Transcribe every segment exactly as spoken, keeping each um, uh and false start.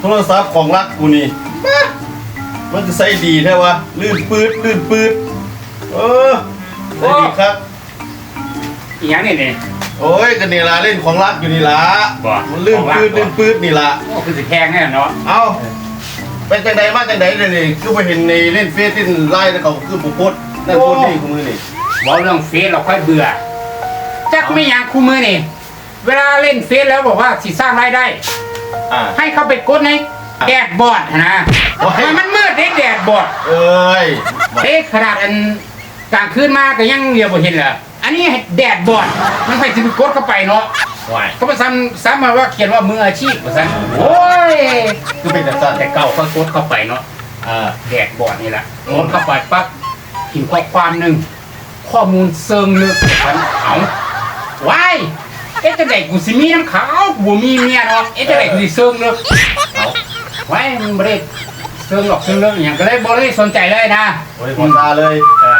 รศัพท์ของรักกูนี่มันจะใส่ดีแท้วะลื่นปืดลื่นปืดเออใส่ดีครับอีหยังนี่นี่โอ้ยกันนี่ละเล่นของรักอยู่นี่ละมันลื่นปืดลื่นปืดนี่ละโอ้คือสิแพงแน่เนาะเอาเป็นจังใดมาจังใดเลยนี่คือไปเห็นในเล่นเฟซที่ไล่แล้วเขาคือบุพพนั่นพูดนี่คู่มือนี่บอกเรื่องเฟซเราค่อยเบื่อจักไม่ยังคู่มือนี่เวลาเล่นเฟซแล้วบอกว่าสิสร้างรายได้ให้เขาไปกดในแดดบอดนะมันมืดเด็กแดดบอดเอ้ยเอ๊ะขนาดอันกลางคืนมาก็ยังเรียวบ่เห็นเหรออันนี้แดดบอดมันไปถึงกดเข้าไปเนาะเขาไปซ้ำซ้ำมาว่าเขียนว่ามืออาชีพว่าซ้ำโอ้ยคือเป็นแต่สั้นแต่เก่าเขากดเข้าไปเนาะแดดบอดนี่แหละกดเข้าไปปั๊บพิมพ์ข้อความหนึ่งข้อมูลเซิงลึกพันเอาว้ายเอ๊ะจะไหนกูสิมีน้ำขาวบัวมีเมียเนาะเอ๊ะจะไหนกูสิเซิงลึกเอาไว้มึงไม่ได้เซิงหรอกเซิงลึกอย่างก็เลยบริสนใจเลยนะบริสนใจเลย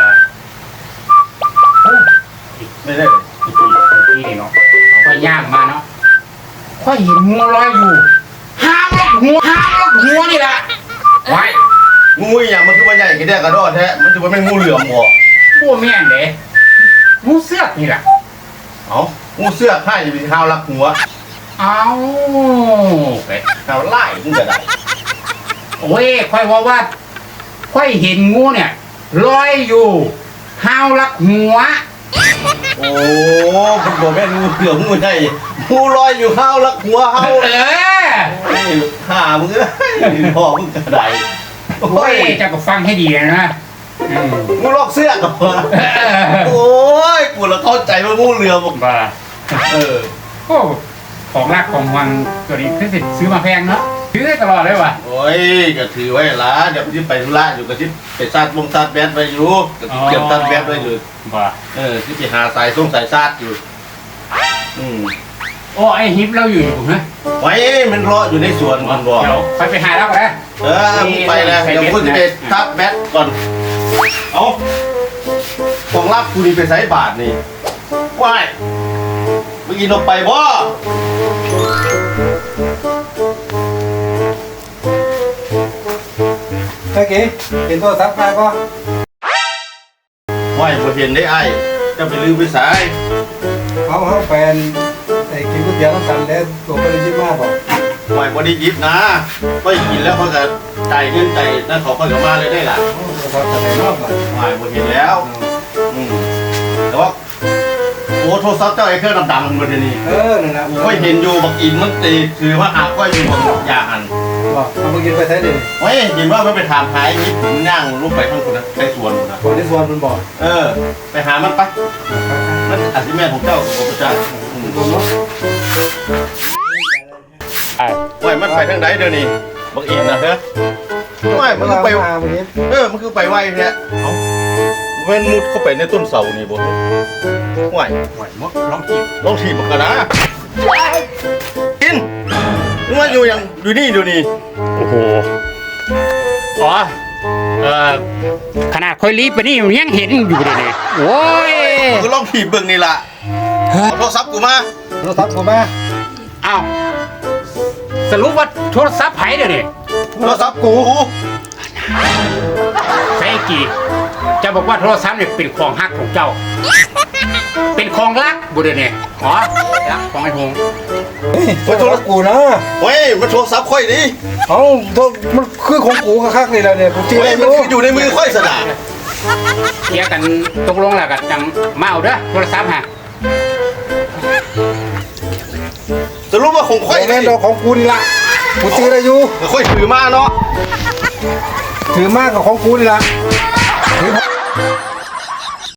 ไม่ได้เลยที่นี่เนาะก็ย่างมาเนาะค่อยเห็นงูลอยอยู่ห้างล็อกหัวห้างล็อกหัวนี่แหละไว้งูอย่างมันคือว่าใหญ่กี่เดียกระโดดแท้มันจะว่าไม่งูเหลือมหัวพวกแม่นเด้งูเสือกนี่แหละเอางูเสือกให้จะเป็นข้าวรักหัวเอาไปข้าวไล่มึงจะได้โอ้ยค่อยว่าว่าค่อยเห็นงูเนี่ยลอยอยู่ห้าวรักหัวโอ้คุณบอกแม่งูเหลือมงูใหญ่งูลอยอยู่ข้าวรักหัวเฮาเออห่ามึงเอ้ยพ่อมึงกระไดโอ้ยจะก็ฟังให้ดีนะงูลอกเสื้อกับมาโอ้ยกูละเข้าใจว่างูเหลือมบ้าเออโอ้ของรักของวังตัวนี้คือสิซื้อมาแพงเนาะซื้อได้ตลอดเลยว่ะโอ้ยก็ถือไว้ละเดี๋ยวที่ไปธุระอยู่ก็ที่ไปซาดวงซาดแบดไปอยู่ก็ที่เก็บซาดแบดไปอยู่บ้าเออที่ไปหาสายส่งสายซาดอยู่อืมโอ้ไอฮิปเราอยู่อยู่นะไว้มันรออยู่ในสวนมันบอกเดี๋ยวไปไปหาแล้วกันเออไปแล้วเดี๋ยวคุณจะไปทับแบดก่อนเอาของรับคุณนี่ไปใส่บาทนี่ว้ายเมื่อกี้นกไปบ่เมื่อกี้เห็นโทรศัพท์มาป่ะว้ายบ่เห็นได้ไอ้จะไปลืมไปสายเขาเขาแฟนไอ้กินก๋วยเตี๋ยวน้ำตาลแล้วตัวไม่ได้ยิบมากป่ะว้ายบ่ได้ยิบนะก็กินแล้วเขาจะใจเงินใจนั่นเขาก็จะมาเลยได้ล่ะเขาจะไหนนอกล่ะว้ายบ่เห็นแล้วอืมแต่ว่าโอ้โทรศัพท์เจ้าไอ้เครื่องดำๆมันนี่เออนั่นแหละก็เห็นอยู่บักอินมันตีคือว่าหาก็อยู่ยาหันบอกเอาไปกินไปใช้ดิเฮ้ยเห็นว่ามันไปถามหายยิบถึงย่างลูกไปทั้งคนนะในสวนนะคนในสวนมันบอกเออไปหามันปะมันอาชีพแม่ของเจ้าของพระเจ้าว่ามันไปทางไหนเดี๋ยวนี้บักอินนะเฮ้ยว่ามันคือไปเออมันคือไปไหวเนี่ยเอาเว้นมุดเข้าไปในต้นเสานี่บ่ไหวไหวมดลองถีบลองถีบมันกันนะกินว่าอยู่ยังอยู่นี่ดูนี่โอ้โหอ๋อเอ่อขนาดค่อยรีบไปนี่ยังเห็นอยู่เลยนี่โอ้ยก็ลองถีบเบิ่งนี่ล่ะโทรศัพท์กูมาโทรศัพท์กูมาอ้าวสรุปว่าโทรศัพท์ไผ่เดี๋ยวนี้โทรศัพท์กูใช่กี่จะบอกว่าโทรศัพท์เนี่ยเป็นของฮักของเจ้าเป็นของรักบุเรเนี่ยอ๋อรักของไอ้หงเฮ้ยโทรศัพท์กูนะเฮ้ยมันโทรศัพท์ค่อยดิเอ้ามันคือของกูคักๆนี่แหละเนี่ยกูจีเฮ้ยมันอยู่ในมือค่อยสนาเคลียร์กันตกลงแล้วกันจังมาเอาเด้อโทรศัพท์ฮะจะรู้ว่าของค่อยแน่นอนของกูนี่ละกูจีอะไรอยู่ค่อยถือมาเนาะถือมากกับของกูนี่ละถือ